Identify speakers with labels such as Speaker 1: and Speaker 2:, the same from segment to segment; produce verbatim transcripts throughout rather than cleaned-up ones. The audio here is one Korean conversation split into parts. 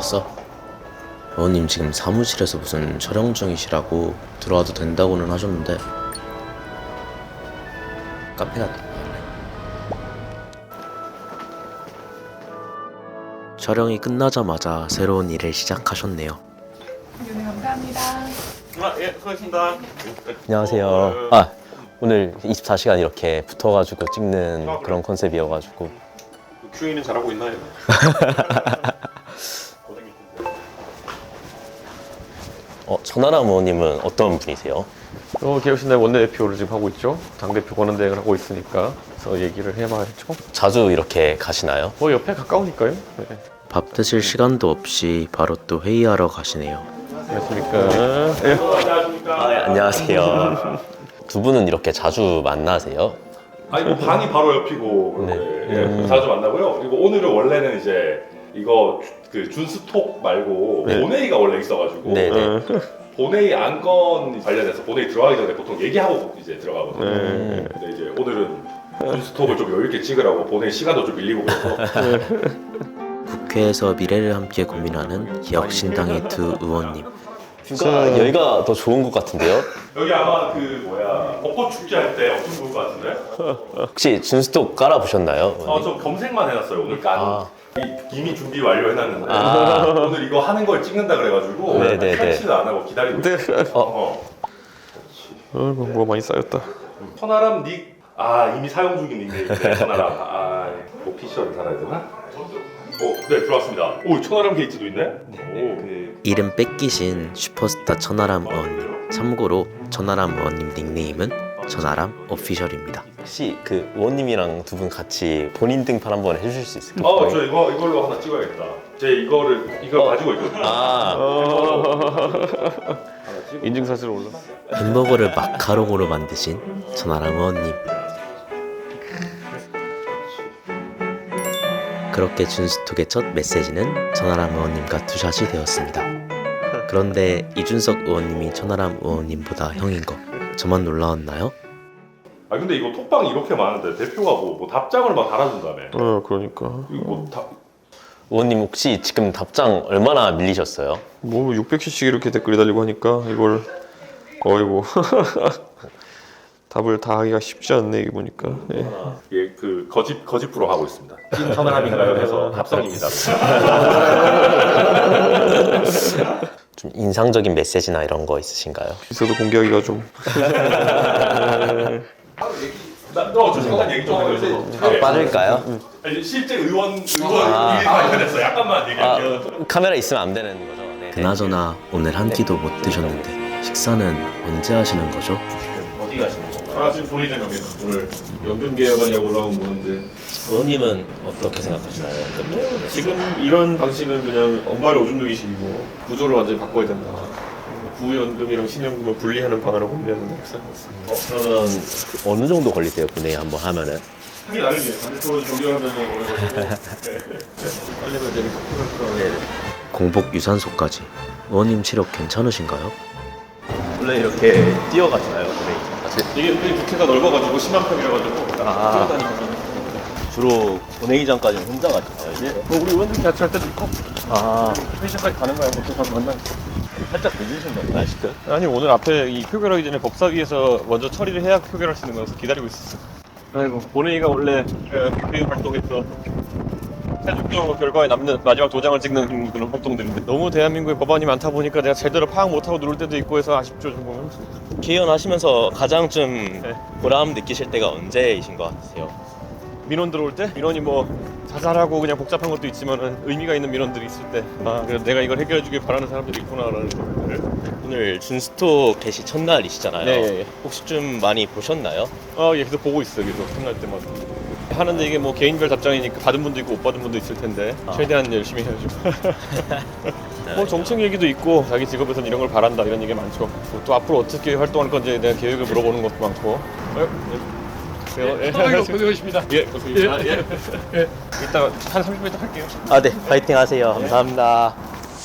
Speaker 1: 왔어? 의원님 지금 사무실에서 무슨 촬영 중이시라고 들어와도 된다고는 하셨는데 카페가 촬영이 끝나자마자 새로운 일을 시작하셨네요.
Speaker 2: 네, 감사합니다.
Speaker 3: 아, 예, 수고하셨습니다.
Speaker 4: 안녕하세요. 아, 오늘 이십사 시간 이렇게 붙어가지고 찍는
Speaker 3: 아, 그래?
Speaker 4: 그런 컨셉이어가지고.
Speaker 3: 큐에이는 잘하고 있나요?
Speaker 4: 어, 천하람 의원님은 어떤 분이세요?
Speaker 3: 어, 개혁신당 원내대표를 지금 하고 있죠. 당대표 권한대행을 하고 있으니까 그래서 얘기를 해봐야죠.
Speaker 4: 자주 이렇게 가시나요?
Speaker 3: 뭐 옆에 가까우니까요. 네.
Speaker 1: 밥 드실 시간도 없이 바로 또 회의하러 가시네요.
Speaker 3: 안녕하십니까. 예.
Speaker 4: 아, 예, 안녕하세요. 두 분은 이렇게 자주 만나세요?
Speaker 5: 아니 뭐 방이 바로 옆이고
Speaker 4: 네.
Speaker 5: 예, 예, 자주 만나고요. 그리고 오늘은 원래는 이제 이거 그 준스톡 말고
Speaker 3: 네.
Speaker 5: 본회의가 원래 있어가지고
Speaker 4: 네네.
Speaker 5: 본회의 안건 관련해서 본회의 들어가기 전에 보통 얘기하고 이제 들어가거든요.
Speaker 3: 네.
Speaker 5: 근데 이제 오늘은 준스톡을 좀 여유 있게 찍으라고 본회의 시간도 좀 밀리고 그래서
Speaker 1: 국회에서 미래를 함께 고민하는 기혁신당의 두 의원님.
Speaker 4: 뷰가 여기가 더 좋은 것 같은데요?
Speaker 5: 여기 아마 그 뭐야 벚꽃 축제 할 때 엄청 좋을 것 같은데?
Speaker 4: 혹시 준스톡 깔아보셨나요?
Speaker 5: 어저 검색만 해놨어요. 오늘 깐
Speaker 4: 아.
Speaker 5: 이- 이미 준비 완료해놨는데
Speaker 4: 아.
Speaker 5: 오늘 이거 하는 걸 찍는다 그래가지고
Speaker 4: 네네네.
Speaker 5: 탈취를 안 하고 기다리고 있어요. 어.
Speaker 3: 아이고, 뭐가 많이 쌓였다.
Speaker 5: 천하람 닉. 아 이미 사용 중인 닉네임인데 천하람. 아 오피셜을 달아야 되나? 오, 네 들어왔습니다. 오 천하람 게이트도 있네. 오. 그...
Speaker 1: 이름 뺏기신 슈퍼스타 천하람 의원님. 참고로 천하람 의원님 닉네임은 천하람 오피셜입니다.
Speaker 4: 혹시 그 의원님이랑 두 분 같이 본인 등판 한번 해주실 수 있을까요?
Speaker 5: 어저 이거 이걸로 하나 찍어야겠다. 제 이거를 이걸
Speaker 4: 어.
Speaker 5: 가지고 있거든요.
Speaker 4: 아,
Speaker 3: 인증사실 올라.
Speaker 1: 햄버거를 마카롱으로 만드신 천하람 의원님. 그렇게 준스톡의 첫 메시지는 천하람 의원님과 투샷이 되었습니다. 그런데 이준석 의원님이 천하람 의원님보다 형인 거 저만 놀라웠나요?
Speaker 5: 아 근데 이거 톡방이 이렇게 많은데 대표가 뭐, 뭐 답장을 막 달아준다며.
Speaker 3: 어, 그러니까.
Speaker 5: 이거 뭐 다,
Speaker 4: 의원님 혹시 지금 답장 얼마나 밀리셨어요?
Speaker 3: 뭐 육백 시씩 이렇게 댓글이 달리고 하니까 이걸 어이고 답을 다 하기가 쉽지 않네 이게 보니까. 네.
Speaker 5: 예, 그 거짓 거짓 프로 하고 있습니다. 찐 천하람인가요? 해서 합성입니다.
Speaker 4: 좀 인상적인 메시지나 이런 거 있으신가요?
Speaker 3: 있어도 공개하기가 좀.
Speaker 5: 나저 잠깐 얘기 좀 해요.
Speaker 4: 아, 빠질까요?
Speaker 5: 아니, 실제 의원 의원 일이 관련해서 약간만
Speaker 4: 아,
Speaker 5: 얘기할게요.
Speaker 4: 카메라 있으면 안 되는 거죠? 네.
Speaker 1: 그나저나 오늘 한 끼도 못 드셨는데 식사는 언제 하시는 거죠?
Speaker 4: 어디 가시는 거죠?
Speaker 5: 아 지금 본의장 여기 오늘 연금 개혁안이라고 올라온 거는데
Speaker 4: 의원님은 어떻게 생각하시나요?
Speaker 3: 지금 이런 방식은 그냥 엄마를 오줌 누기 식이고 구조를 완전히 바꿔야 된다. 구연금이랑 신연금을 분리하는 방안을 고민하는 게 생각했습니다.
Speaker 4: 어, 그러면 어느 정도 걸리세요? 분회의 한번 하면은?
Speaker 5: 하기 나름이에요. 반대쪽으로 정리하면 오래 걸리고
Speaker 3: 빨리면 되니까.
Speaker 1: 공복 유산소까지. 의원님 체력 괜찮으신가요?
Speaker 4: 원래 이렇게 뛰어가시나요? 분회의?
Speaker 3: 이게 우리 국회가 넓어가지고 십만 평이라 가지고
Speaker 4: 아.
Speaker 3: 뛰어다니거든요.
Speaker 4: 주로 본회의장까지는 혼자 가시나요?
Speaker 3: 예. 뭐 우리 의원들이 같이 할 때도 있고
Speaker 4: 아,
Speaker 3: 회의장까지 가는 거야. 뭐 가서 만나.
Speaker 4: 살짝 늦으신 건가요? 아직도?
Speaker 3: 아니 오늘 앞에 이 표결하기 전에 법사위에서 먼저 처리를 해야 표결할 수 있는 거라서 기다리고 있었어. 아이고 본회의가 원래 국회의원 활동에서 최종적으로 결과에 남는 마지막 도장을 찍는 그런 활동들인데 너무 대한민국에 법안이 많다 보니까 내가 제대로 파악 못하고 누를 때도 있고 해서 아쉽죠 좀 보면.
Speaker 4: 개헌 하시면서 가장 좀
Speaker 3: 네.
Speaker 4: 보람 느끼실 때가 언제이신 것 같으세요?
Speaker 3: 민원 들어올 때 민원이 뭐 자잘하고 그냥 복잡한 것도 있지만은 의미가 있는 민원들이 있을 때 아 그래도 내가 이걸 해결해주길 바라는 사람들이 있구나라는 거를.
Speaker 4: 오늘 준스톡 개시 첫날이시잖아요.
Speaker 3: 네, 예, 예.
Speaker 4: 혹시 좀 많이 보셨나요?
Speaker 3: 아, 예, 계속 보고 있어요. 계속 끝날 때마다. 하는데 이게 뭐 개인별 답장이니까 받은 분도 있고 못 받은 분도 있을 텐데
Speaker 4: 아.
Speaker 3: 최대한 열심히 해야죠. 뭐 정책 얘기도 있고 자기 직업에서는 이런 걸 바란다 이런 얘기 많죠. 또 앞으로 어떻게 활동할 건지 대한 계획을 물어보는 것도 많고. 어, 예. 예.
Speaker 2: 고생하셨습니다.
Speaker 3: 예, 고생하셨습니다. 예. 예. 이따 한 삼십 분 있다 할게요.
Speaker 4: 아, 네. 파이팅 하세요. 감사합니다.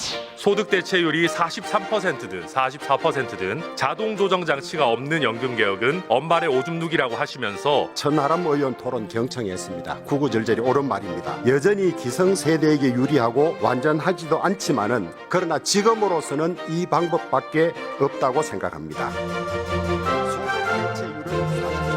Speaker 5: 소득 대체율이 사십삼 퍼센트든 사십사 퍼센트든 자동 조정 장치가 없는 연금 개혁은 엄발의 오줌 누기라고 하시면서
Speaker 6: 천하람 의원 토론 경청했습니다. 구구절절이 옳은 말입니다. 여전히 기성세대에게 유리하고 완전하지도 않지만은 그러나 지금으로서는 이 방법밖에 없다고 생각합니다. 소득 대체율을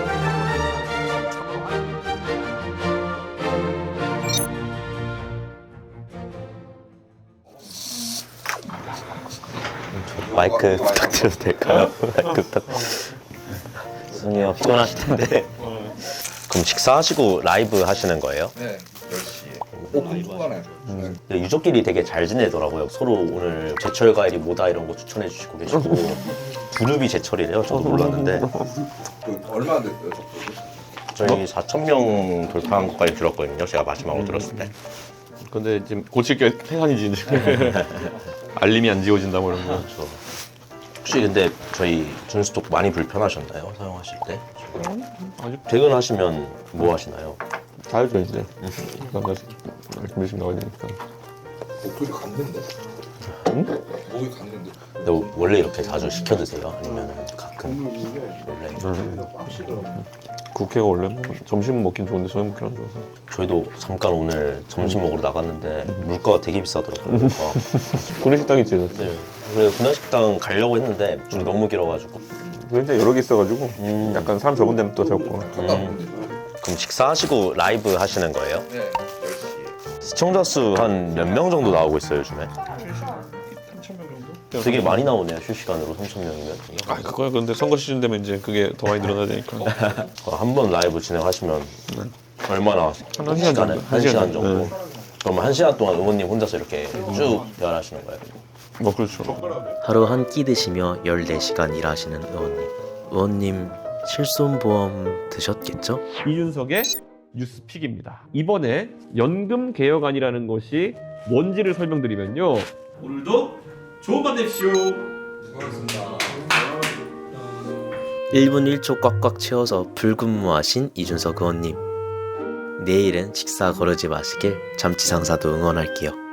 Speaker 4: 마이크 부탁드려도 될까요? 마이크 부탁. 죄송해요, 피곤하실 텐데. 그럼 식사하시고 라이브 하시는 거예요?
Speaker 7: 네, 열 시에. 오, 궁금하네.
Speaker 4: 음. 유족끼리 되게 잘 지내더라고요. 서로 오늘 제철 과일이 뭐다 이런 거 추천해 주시고 계시고 두릅이 제철이래요. 저도 몰랐는데
Speaker 7: 그 얼마 됐어요, 접속이?
Speaker 4: 저희 사천 명 돌파한 것까지 들었거든요. 제가 마지막으로 들었을 때.
Speaker 3: 근데 지금 고칠 게 태산이지. 알림이 안 지워진다 뭐 이런 거.
Speaker 4: 그렇죠. 혹시 근데 저희 준스톡 많이 불편하셨나요? 사용하실 때?
Speaker 3: 아직
Speaker 4: 퇴근하시면 뭐 하시나요?
Speaker 3: 자야죠 이제. 그러니까 열심히 나와야 되니까.
Speaker 7: 목소리 갔는데?
Speaker 3: 응?
Speaker 7: 목이 갔는데?
Speaker 4: 근데 원래 이렇게 자주 시켜 드세요? 아니면 가끔? 원래?
Speaker 3: 국회가 원래 뭐 점심 먹긴 좋은데 저녁 먹긴 안 좋아서.
Speaker 4: 저희도 잠깐 오늘 점심 먹으러 나갔는데 물가가 되게 비싸더라고요.
Speaker 3: 구내식당 있지.
Speaker 4: 네. 그래서 분양식당 가려고 했는데 줄 너무 길어가지고.
Speaker 3: 근데 여러 개 있어가지고
Speaker 4: 음.
Speaker 3: 약간 사람 적은 데는 또 적고.
Speaker 7: 갔다 오는데?
Speaker 4: 그럼 식사하시고 라이브 하시는 거예요?
Speaker 7: 네, 열 시에.
Speaker 4: 시청자 수 한 몇 명 정도 나오고 있어요 요즘에?
Speaker 3: 삼천 명 정도?
Speaker 4: 되게 많이 나오네요 실시간으로 삼천 명이면.
Speaker 3: 아 그거야. 근데 선거 시즌 되면 이제 그게 더 많이 늘어나야 되니까.
Speaker 4: 한 번 라이브 진행하시면 얼마나?
Speaker 3: 한 시간
Speaker 4: 시간에?
Speaker 3: 정도.
Speaker 4: 한 시간
Speaker 3: 네.
Speaker 4: 정도. 그러면 한 시간 동안 의원님 혼자서 이렇게 쭉 대화하시는 거예요?
Speaker 3: 뭐 그렇죠.
Speaker 1: 하루 한 끼 드시며 열네 시간 일하시는 의원님. 의원님 실손보험 드셨겠죠?
Speaker 8: 이준석의 뉴스픽입니다. 이번에 연금 개혁안이라는 것이 뭔지를 설명드리면요. 오늘도 좋은 밤 되십시오.
Speaker 7: 수고하셨습니다.
Speaker 1: 일 분 일 초 꽉꽉 채워서 불근무하신 이준석 의원님. 내일은 식사 거르지 마시길 잠치상사도 응원할게요.